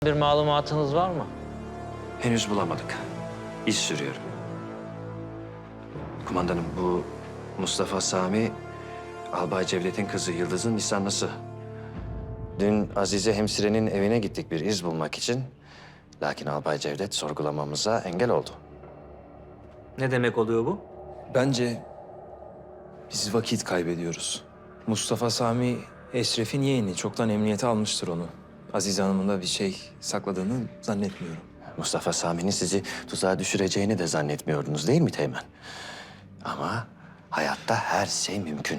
Bir malumatınız var mı? Henüz bulamadık. İş sürüyorum. Kumandanım, bu Mustafa Sami, Albay Cevdet'in kızı Yıldız'ın nişanlısı. Dün Azize hemşirenin evine gittik bir iz bulmak için. Lakin Albay Cevdet sorgulamamıza engel oldu. Ne demek oluyor bu? Bence biz vakit kaybediyoruz. Mustafa Sami Eşref'in yeğeni. Çoktan emniyete almıştır onu. Azize Hanım'ın da bir şey sakladığını zannetmiyorum. Mustafa Sami'nin sizi tuzağa düşüreceğini de zannetmiyordunuz değil mi Teğmen? Ama hayatta her şey mümkün.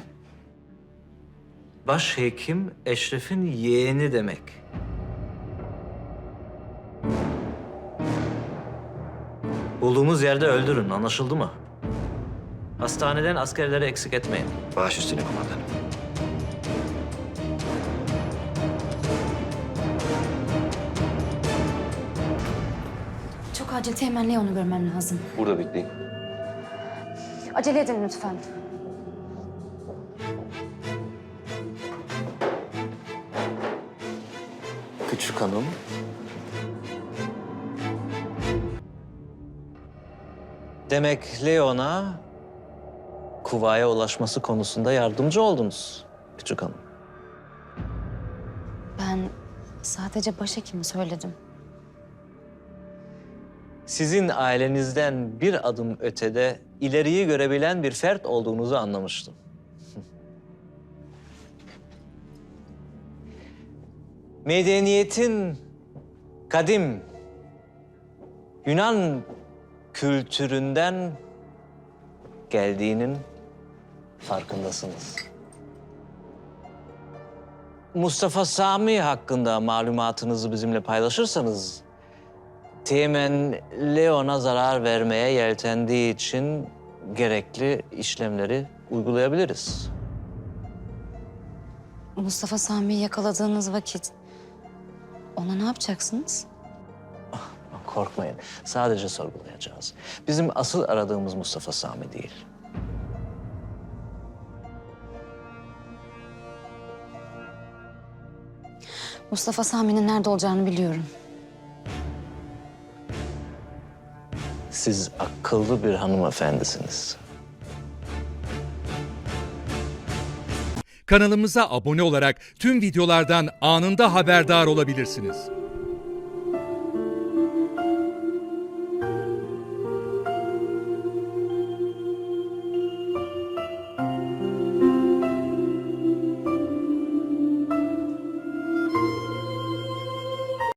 Başhekim Eşref'in yeğeni demek. Bulduğumuz yerde öldürün, anlaşıldı mı? Hastaneden askerleri eksik etmeyin. Baş üstüne kumandanım. Çok acil Teğmen Leon'u görmem lazım. Burada bekleyin. Acele edin lütfen. Küçük hanım. Demek Leon'a Kuva'ya ulaşması konusunda yardımcı oldunuz küçük hanım. Ben sadece başhekimi söyledim. Sizin ailenizden bir adım ötede ileriyi görebilen bir fert olduğunuzu anlamıştım. Medeniyetin kadim Yunan kültüründen geldiğinin farkındasınız. Mustafa Sami hakkında malumatınızı bizimle paylaşırsanız, Teğmen Leon'a zarar vermeye yeltendiği için gerekli işlemleri uygulayabiliriz. Mustafa Sami'yi yakaladığınız vakit ona ne yapacaksınız? Korkmayın, sadece sorgulayacağız. Bizim asıl aradığımız Mustafa Sami değil. Mustafa Sami'nin nerede olacağını biliyorum. Siz akıllı bir hanımefendisiniz. Kanalımıza abone olarak tüm videolardan anında haberdar olabilirsiniz.